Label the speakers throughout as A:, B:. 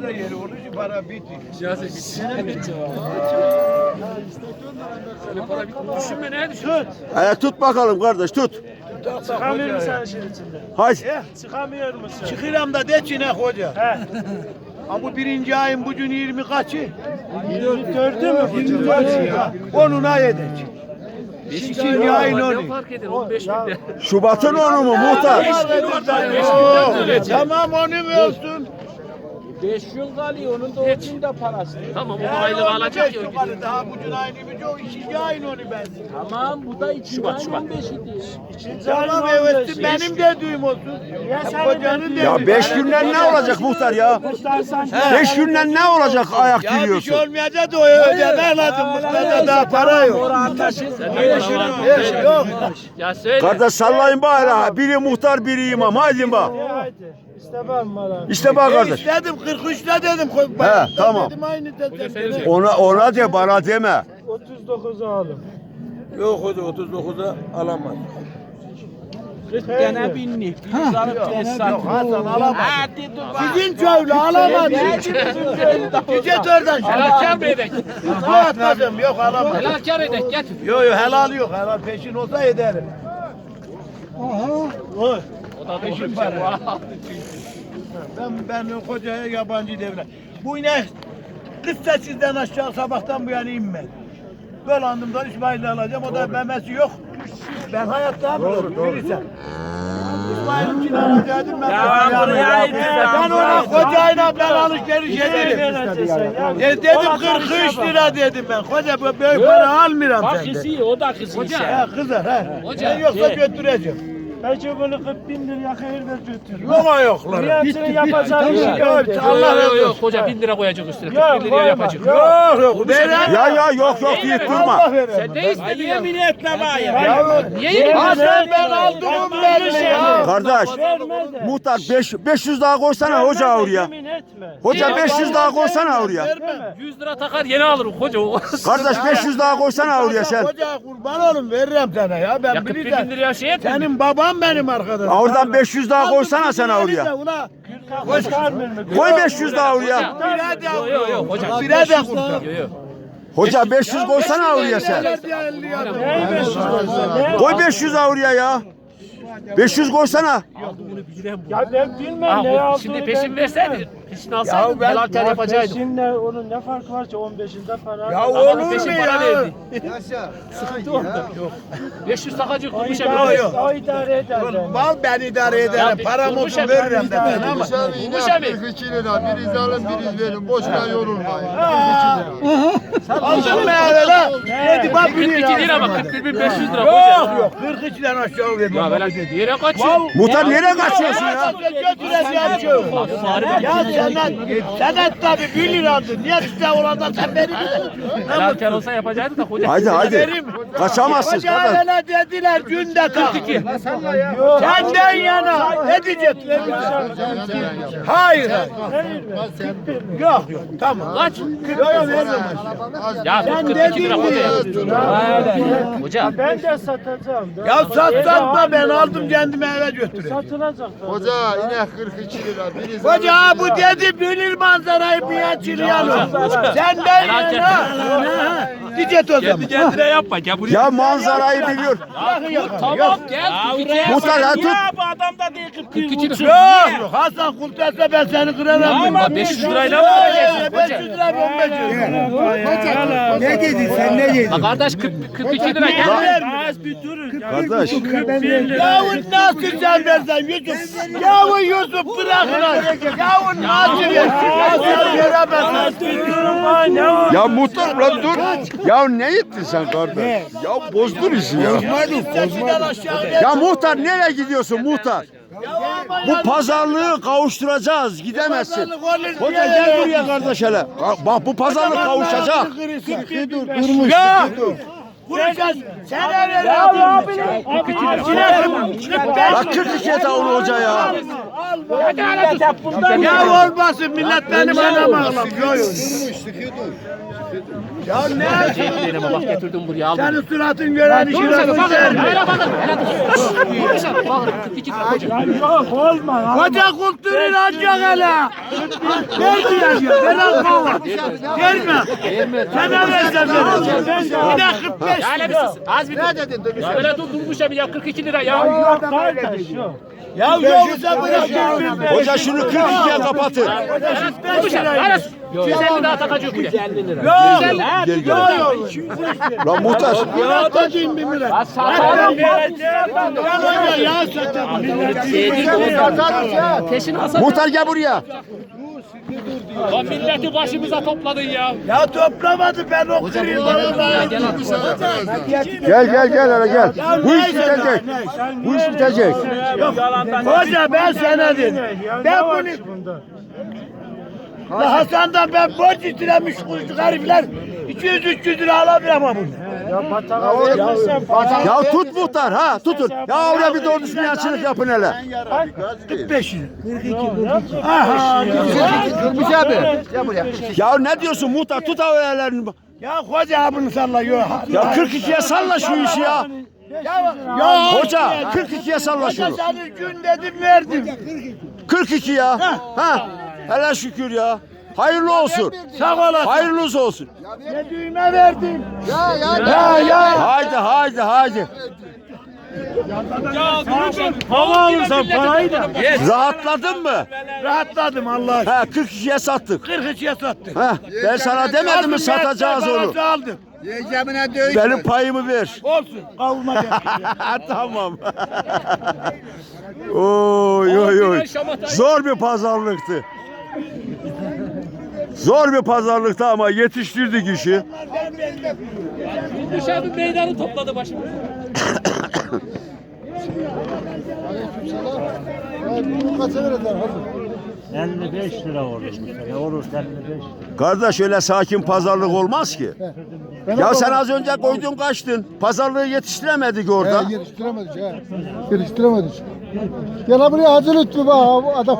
A: da yeri olur ki para bitti.
B: Siyaset bitti. Para bitti. Düşünme ne düşün?
C: Tut bakalım kardeş tut.
D: Çıkamıyor musun sen işin içinde?
C: Hadi.
D: Çıkamıyor musun?
A: Çıkıram da de ki ne hoca. Ha bu birinci ayın bugün 20 kaçı?
D: 24'ü mü?
A: 24 ya. Onuna yedek. İkinci ayın
B: Ne
A: onu.
B: fark eder? 15 binde.
C: Şubat'ın onu mu muhtar?
A: Tamam onu mu olsun?
D: 5 yıl kalıyor, onun da onun da parası.
B: Tamam o aylık alacak ya.
A: Daha bugün ayın bir o ikinci ayın onu ben.
D: Tamam, bu da 2 ayın 15'i.
A: Tamam evet benim de düğüm olsun. Kocanın
C: Ya 5 günden ne olacak muhtar ya? 5 günden ne olacak ayak
A: Ya bir şey
C: giriyorsun?
A: olmayacak da o ödeme lazım. Mutlaka daha para yok. Yok.
B: Ya söyle.
C: Kardeş sallayın bari. Biri muhtar biri imam. Haydi bak.
D: Haydi. İstemem bana.
C: İşte bak kardeş.
A: İstedim 43'te dedim.
C: He, tamam.
A: Dedim aynı dedim.
C: Ona de bana deme.
D: 39'u alın.
A: Yok o da 39'a alamaz.
D: 40 tane binlik. Biz alıp tesisat.
A: Yok Hasan alamaz. Sizin köylü alamaz. Gidecek oradan.
B: Helal mı edek?
A: Atmadım yok alamaz.
B: Helal kar edek getir.
A: Yok helal yok. Helal peşin olsa ederim. Oy.
B: O da
A: Peşin
B: peşin
A: para. Ben kocaya yabancı devlet. Bu inek 48'den aşağı sabahtan bu yana inmedi. Dolandım da İsmail'i alacağım. O da memesi yok. Ben hayatta bilirsen. İsmail'in alacaktım ben. Ben ona kocayla ben alışveriş ederim. Dedim 43 lira dedim ben. Koca böyle para almıyorum senden.
D: O da kızı.
A: He kızar he.
B: Hoca.
A: Ben yoksa götüreceğim.
D: Peki bunu 40 bin liraya hayır ver götür.
A: Yok yoklar.
D: Riyatını yapacak bir şey yok.
A: Allah razı olsun.
B: Koca 1000 lira koyacak üstüne. 40
D: Yok,
B: bin liraya
D: koyma,
B: yapacak.
A: Yok. Veren.
C: Ya yok deyip durma.
A: Allah veren.
B: Sen ne istedin ya?
D: Yemin etme bana ya.
B: Niye yemin
A: Hasan ben aldım verme ya.
C: Kardeş
D: Verme de.
C: muhtar 500 daha koysana hoca oraya.
D: Yemin etme.
C: Hoca 500 daha koysana oraya.
B: 100 lira takar yeni alırım koca o.
C: Kardeş 500 daha koysana oraya sen.
A: Koca kurban olun veririm sana ya.
B: Ya
A: Ben
B: 40 bin
A: bilirim.
B: liraya şey etme.
A: Senin baban benim arkadaşım.
C: Oradan 500 daha koysana sen oraya.
A: Ula.
C: Koy 500 daha oraya.
A: Bire de
B: Yok yok hoca.
A: Bire de kurtar.
B: Yok yok.
C: Hoca 500 koysana oraya sen.
D: Neyi 500 koysa?
C: Koy 500 daha oraya ya. 500 koysana.
D: Ya ben bilmem ne aldığını.
B: Şimdi peşin verseydin. Peşin alsaydın helal kar yapacaktın.
D: Peşinle onun ne farkı var ki 15'inde para.
A: Ya
B: Adamın
A: olur mu
B: peşin
A: ya?
B: para verdi. Sıkıntı orada. Yok. 500 takacık
D: O
B: kurmuş
D: idare,
A: yok.
D: o idare eder beni.
A: Mal ben idare ederim. Param olsun veririm de ben ama.
B: Kurmuş abi.
E: 42 lira. Biriz alın biriz verin. Boşuna yorulmayın.
A: Aldın mı öyle la? Dedi bak
B: 42 lira bak 41.500 lira
A: Yok
B: koca.
A: yok 42'den aşağı vermem.
B: Ya böyle dedi. Yere kaçıyor.
C: Muhtar nereye kaçıyorsun ya?
A: Götüreceğim şu. Ya sen tabii 1 liradır. Niye işte orada sen beni
B: Helal kar olsa yapacaktı da koca.
C: Haydi. Kaçamazsın
A: Hoca
C: kardeş.
A: öyle dediler günde tak.
B: 42.
A: Senden yana ne diyeceksin? Hayır. Yok tamam.
B: Kaç?
A: Yok vermem.
B: Ya 42 lira koca. Hoca.
D: Ben de satacağım.
A: Ya satma ben aldım kendime eve götüreyim.
D: Satılacak.
E: Hoca inek 42 lira. Biriz
A: Hoca bu dedi bilir manzarayı bir açılayalım. Senden yana. Diyecek o zaman.
B: Kendine yapma. Gel buraya.
C: Ya manzarayı biliyor.
B: Tamam gel.
C: Muhtar ha tut.
D: Bu adam da değil
B: 42 lira.
A: Yok Hasan kurtarsa ben seni kırarım.
B: Ama 500 lirayla mı alacaksın
A: 500 lira 15 lira.
E: Ne dedin sen ne dedin?
B: Ha kardeş 42 lira gel.
D: Az bir durun.
C: Kardeş.
A: Yavun nasıl sen versen Yusuf? Yavun Yusuf bırak lan. Yavun nasıl versin? Nasıl veremezsin?
D: Az bir durun bana ne olur.
C: Ya muhtar lan dur. Ya ne ettin sen kardeş? Ya bozdun işi ya. Ya muhtar nereye gidiyorsun muhtar? Bu pazarlığı kavuşturacağız. Gidemezsin. Hoca gel buraya kardeş hele. Bak bu pazarlık kavuşacak.
A: Ya! Vuracağız. Sen öyle
C: Bak 42 et onu hoca ya.
A: Al
D: Millet hep bundan
A: Ya olmasın millet benim anam ağlam. Ya ne?
D: Bak getirdim buraya aldım.
A: Senin suratın gören işi nasıl der? Yok olma. Koca kulturun ancak hele. Ver diyor. Ver alma. Verme. Sana versem verir. Bir de 45 lira.
D: Az bir ne dedin? Ya böyle durmuş ya 42 lira ya.
A: Ya yoksa bırakın.
C: Hoca şunu 42'ye kapatın.
A: 45 lira.
D: 250 daha takacak buraya. 250 lira.
A: Yok.
C: Gel gel.
A: Yok.
C: Lan muhtar.
A: Ya atacağım bir millet.
D: Satarım.
A: Ya satarım.
D: Peşin alsa.
C: Muhtar gel buraya.
D: Lan milleti başımıza topladın ya.
A: Ya toplamadı ben okuyayım.
C: Gel hele gel. Bu iş bitecek. Bu iş bitecek.
A: Hoca ben sana dedim. Ben bunu... La Hasan'dan ben borç istemiş kuşluk herifler 200-300 lira alabilir ama bunu.
C: Ya tut muhtar ha tutun. Ya oraya bir doğru düzgün açılık yapın hele.
A: 45 lira. 42. Aha.
B: Durmuş abi.
C: Ya ne diyorsun muhtar tut haberlerini.
A: Ya hoca bunu sallıyor.
C: Ya 42'ye salla şu işi ya.
A: Ya
C: Hoca 42'ye salla
A: hoca
C: şunu.
A: senin gün dedim verdim.
C: 42 ya. Ha. Hele şükür ya. Hayırlı olsun.
A: Sağ olasın.
C: Hayırlısı olsun.
A: Ne düğme verdim.
C: Haydi haydi.
A: Hava alırsan parayı da.
C: Rahatladın mı?
A: Rahatladım Allah aşkına.
C: Ha 42'ye sattık.
A: 43'e sattık.
C: Ha ben sana demedim mi satacağız onu.
A: Parası aldım.
C: Benim payımı ver.
A: Olsun. Kavurma gel.
C: Tamam. Oy. Zor bir pazarlıktı. Zor bir pazarlıktı ama yetiştirdik işi.
D: Dışarı meydanı topladı başımıza.
B: Kaça verirler?
A: 55 lira olur. Ne olur 55 lira.
C: Kardeş öyle sakin pazarlık olmaz ki. Ya sen az önce koydun kaçtın. Pazarlığı yetiştiremedik orada.
B: Geliştiremedik ha. Geliştiremedik. Gel buraya Hacı Lütfü bak adam.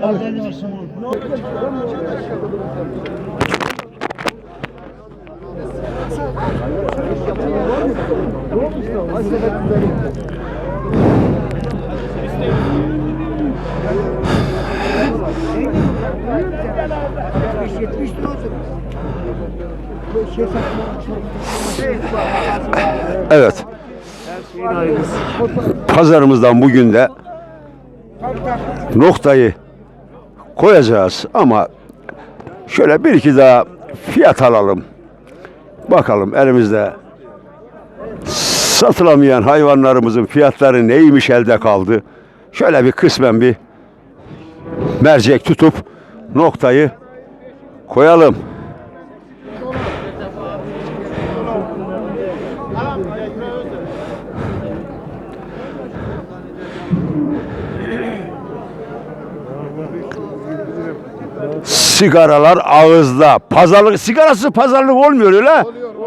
C: Evet. Pazarımızdan bugün de noktayı koyacağız ama şöyle bir iki daha fiyat alalım. Bakalım elimizde satılamayan hayvanlarımızın fiyatları neymiş elde kaldı. Şöyle bir kısmen bir mercek tutup noktayı koyalım. Sigaralar ağızda. Pazarlık sigarası pazarlık olmuyor öyle.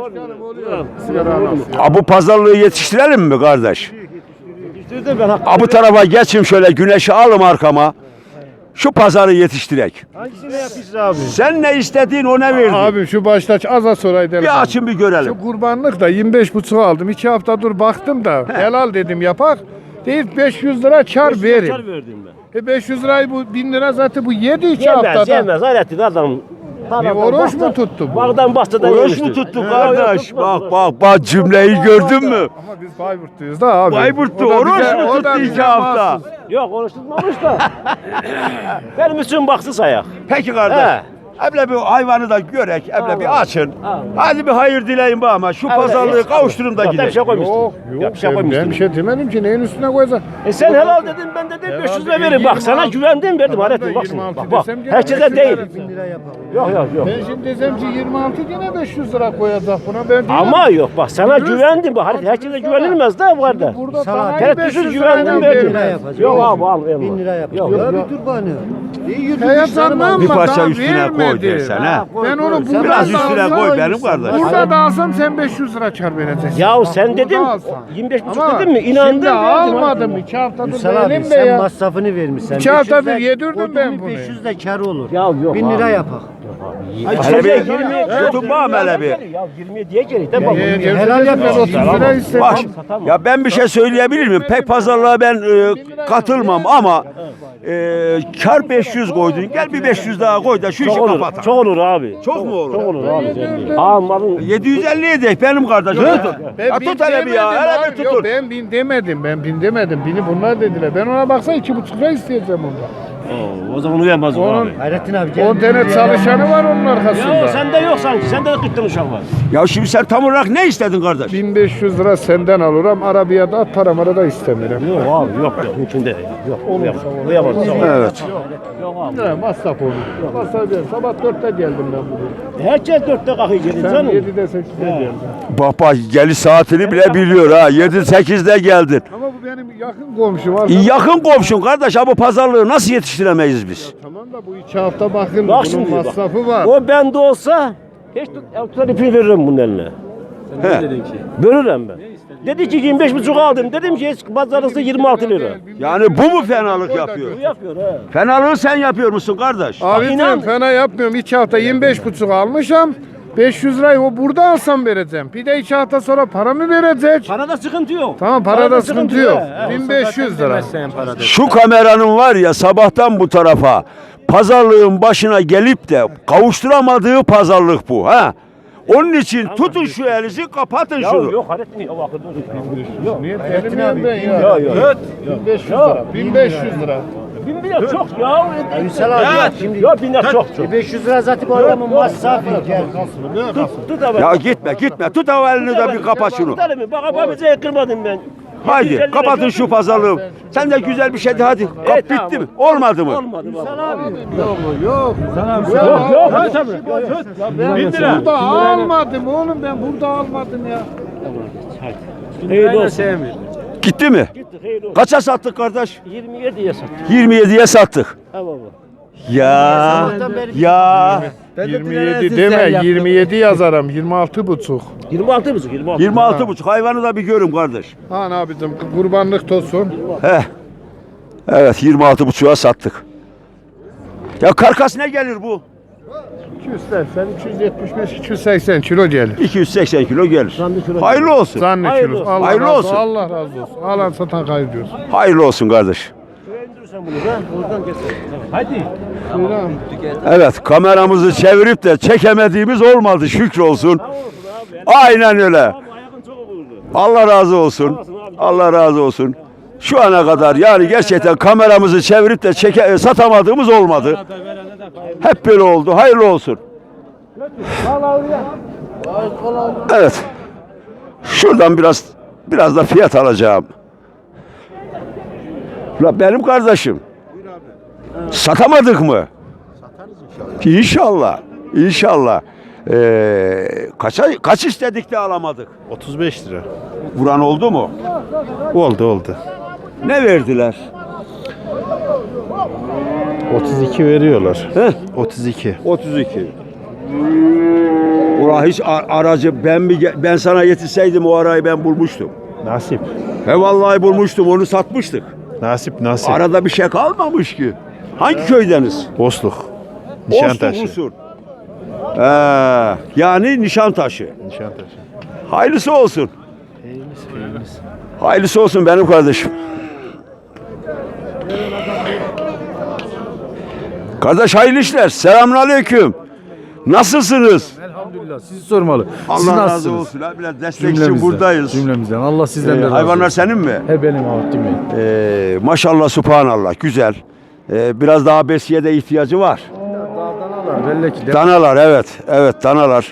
C: Bu pazarlığı yetiştirelim mi kardeş? Bu tarafa geçin şöyle güneşi alım arkama. Şu pazarı yetiştirek.
F: Hangisini yapıyorsun abi?
C: Sen ne istediğin ona verdin.
F: Abi şu başta az soraydı.
C: Bir açın bir görelim.
F: Şu kurbanlık da 25,5 aldım. 2 hafta dur baktım da helal dedim yapak. Değil 500 lira kar verin.
G: Kar verdim ben.
F: 500 lirayı bu 1000 lira zaten bu 7 2
G: Yemez
F: haftada.
G: yemez hayretin adam.
F: Bir oruç mu tuttu bu?
G: Bağdan bahçeden
C: Oruç
G: yemiştir.
C: mu tuttu kardeş? Bak cümleyi gördün mü?
F: Ama biz Bayburtluyuz da abi.
C: Bayburt'ta
F: O da
C: oruç
F: bize-
C: mu
F: o da
C: tuttu
F: bize
C: 2 hafta?
F: mahsus.
G: Yok oruç tutmamış da. Benim için baksız ayak.
C: Peki kardeş. Eble bir hayvanı da görek, eble bir açın. Hadi bir hayır dileyin bu ama şu pazarlığı kavuşturun da
G: Bak, bir şey
C: gidelim.
G: koymuştum.
F: Yok
G: Ya,
F: yok
G: bir şey
F: ben
G: koymuştum.
F: bir şey demedim ki neyin üstüne koyacaksın?
G: Sen helal dedin ben de dedim 500 lira verin. Bak sana
F: 26
G: güvendim verdim
F: Tamam da
G: hayretin bak şimdi.
F: 26
G: Bak
F: desem gene
G: herkese
F: 500
G: değil.
F: lira.
G: Yok.
F: Ben şimdi desem ki 26 yine 500 lira koyacak buna ben değilim.
G: Ama yok bak sana güvendim. Bak herkese güvenilmez de bu arada.
F: Burada sana
G: Tereddütsüz
F: 500
G: güvendim
F: lirayla
G: verdim.
F: verdim.
G: Yok abi al.
B: 1000 lira yapar.
G: Yok.
B: Ya bir dur bana. Heyecanlanma.
C: Bir parça
B: daha
C: üstüne koy
B: vermedi.
C: dersen ha.
B: Ben onu buradan
C: Biraz
B: da
C: üstüne
B: alsam-
C: koy benim kardeşim.
B: Burada da alsam sen 500 lira kar vereceksin.
G: Ya
B: Bak,
G: sen
B: burada
G: dedin
B: alsan.
G: 25,5
B: Ama
G: dedin mi? İnandın.
B: şimdi almadım. 2 haftadır
H: Ünsal abi
B: benim de
H: sen
B: ya.
H: masrafını vermişsin.
B: 2 haftadır yedirdim ben bunu.
H: 500 de kar olur.
G: Ya yok
H: 1000 lira
G: abi.
H: yapak.
C: Hele bir tutun bana hele bir.
G: Ya 20 diye geri de bak.
B: Helal yap ben 30 lira istedim.
C: Bak ya ben bir şey söyleyebilir miyim? Pek pazarlığa ben katılmam ama kar 500 koydun. Gel bir 500 daha koy da şu işi
G: Çok olur.
C: kapat.
G: Çok olur abi.
C: Çok mu olur?
G: Çok olur abi. Almadın.
C: 750 edek benim kardeşim. Tut.
B: Ben
C: Ya
B: bin
C: tut hele bir ya.
B: demedim
C: Hele
B: abi.
C: bir
B: Yok,
C: tutun.
B: ben bin demedim. Ben bin demedim. Bini bunlar dediler. Ben ona baksana 2,5 lira isteyeceğim ondan.
G: O zaman uyamaz o
B: Onun
G: abi.
H: Hayrettin abi gel.
B: 10 tane çalışanı var onun
G: Ya
B: arkasında.
G: sende yok sanki. Sende de 40 tane uşak var.
C: Ya şimdi sen tam olarak ne istedin kardeş?
B: 1500 lira senden alırım. Arabaya da at paramı da istemiyorum.
G: Yok abi yok. Mümkün değil. Yok uyamaz.
C: Evet.
B: Ne masraf olur. Masraf değil. Sabah 4'te geldim ben buraya.
G: Herkes 4'te kalkıyor gelin
B: Sen
G: canım.
B: 7'de 8'de geldin.
C: Bak bak geliş saatini bile biliyor ha. 7-8'de geldin.
B: Ama bu benim yakın komşum var.
C: Yakın komşun kardeş. Ha bu pazarlığı nasıl yetiştiremeyiz biz?
B: Tamam da bu 2 hafta bakın.
G: Bak
B: bunun
G: şimdi bak.
B: masrafı var.
G: O bende olsa hiç tutar ipi veririm bunun eline.
C: He.
G: Veririm ben. Dedi ki 25,5 aldım. Dedim ki pazarlısı 26 lira.
C: Yani bu mu fenalık yapıyor?
G: Bu yapıyor ha.
C: Fenalığı sen yapıyor musun kardeş?
B: Abi
G: inan-
B: diyorum fena yapmıyorum. 2 hafta 25,5 almışım. 500 lirayı o burada alsam vereceğim. Bir de 2 hafta sonra paramı verecek.
G: Parada sıkıntı yok.
B: Tamam parada sıkıntı yok.
G: he.
B: 1500 lira.
C: Şu kameranın var ya sabahtan bu tarafa pazarlığın başına gelip de kavuşturamadığı pazarlık bu ha. Onun için tutun şu elinizi kapatın
G: Ya
C: şunu.
G: yok Hayrettin yok. Bakın yok.
B: Niye terim ben ya?
G: Yok yok.
B: 1500 lira. 1500 lira.
G: 1000 lira çok ya.
H: Ünsal abi ya şimdi
G: Yok 1000 lira çok.
H: 500 lira zaten bu adamın masrafı. Gel.
G: Tut abi.
C: Ya gitme tut o elini de bir kapat şunu.
G: Tut elimi. Bak abimize kırmadım ben.
C: Haydi
G: 750
C: kapatın
G: lira
C: şu pazarlığı. Sen de güzel bir şeydi hadi. Kap
G: Evet,
C: bitti
G: tamam.
C: mi? Olmadı mı?
G: Olmadı bak.
B: Yok.
G: Yok hadi tabii.
B: Ben burada almadım oğlum ben burada almadım ya.
G: Hayırlı olsun.
C: Gitti mi?
G: Gitti hayırlı olsun.
C: Kaça sattık kardeş?
G: 27'ye sattık.
C: 27'ye sattık.
G: Ha baba.
C: Ya
B: 27 deme 27 yazarım 26,5.
G: 26,5 26.
C: 26,5 hayvanı da bir görün kardeş.
B: Han abicim kurbanlık tosun.
C: Heh. Evet 26,5'a sattık. Ya karkas ne gelir bu?
B: 280, 275, 280 kilo gelir.
C: 280 kilo gelir. Hayırlı olsun.
B: Zannet
G: Hayırlı
B: kilo.
G: olsun.
B: Allah
C: Hayırlı
B: razı
C: olsun.
B: Allah razı olsun. Alan satan hayırlı olsun.
C: Hayırlı olsun kardeş.
G: Sen bunu da oradan keser. Hadi.
B: Buyurun.
C: Evet kameramızı çevirip de çekemediğimiz olmadı şükür olsun. Aynen öyle.
G: Ayakın çok olurdu.
C: Allah razı olsun. Allah razı olsun. Şu ana kadar yani gerçekten kameramızı çevirip de satamadığımız olmadı. Hep böyle oldu. Hayırlı olsun. Evet. Şuradan biraz da fiyat alacağım. La benim kardeşim. Satamadık mı? Satarız inşallah. İnşallah. Kaç istedik de alamadık?
I: 35 lira.
C: Vuran oldu mu?
I: Oldu.
C: Ne verdiler?
I: 32 veriyorlar.
C: Heh.
I: 32.
C: 32. Ura hiç aracı ben sana yetişseydim o arayı ben bulmuştum.
I: Nasip.
C: He vallahi bulmuştum onu satmıştık.
I: Nasip.
C: Arada bir şey kalmamış ki. Hangi köydeniz?
I: Bosluk. Nişantaşı.
C: Usul. Yani Nişantaşı.
I: Nişantaşı.
C: Hayırlısı olsun. Hayırlısı olsun benim kardeşim. Kardeş hayırlı işler. Selamünaleyküm. Nasılsınız?
J: Elhamdülillah. Sizi sormalı. Siz
C: Allah razı
J: nasılsınız?
C: olsun. Ha, biraz destek için buradayız.
J: Cümlemizden. Allah sizden de razı olsun.
C: Hayvanlar senin mi?
J: He benim Abdüm Bey.
C: Maşallah subhanallah güzel. Biraz daha besiye de ihtiyacı var.
J: Danalar belli ki.
C: Danalar evet. Evet danalar.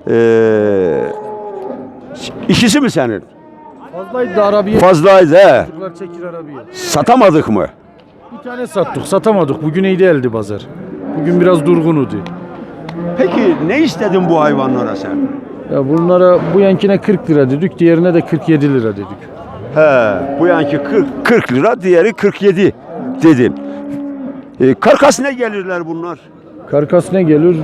C: İkisi mi senin?
J: Fazlaydı da Arabiye.
C: Fazlaydı he.
J: Çocuklar çekir Arabiye.
C: Satamadık mı?
J: Bir tane sattık. Satamadık. Bugün iyi değildi pazar. Bugün biraz durgunudu.
C: Peki ne istedin bu hayvanlara sen?
J: Ya bunlara bu yankine 40 lira dedik. Diğerine de 47 lira dedik.
C: He, bu yanki 40 lira, diğeri 47 dedin. Karkas ne gelirler bunlar?
J: Karkas ne gelir?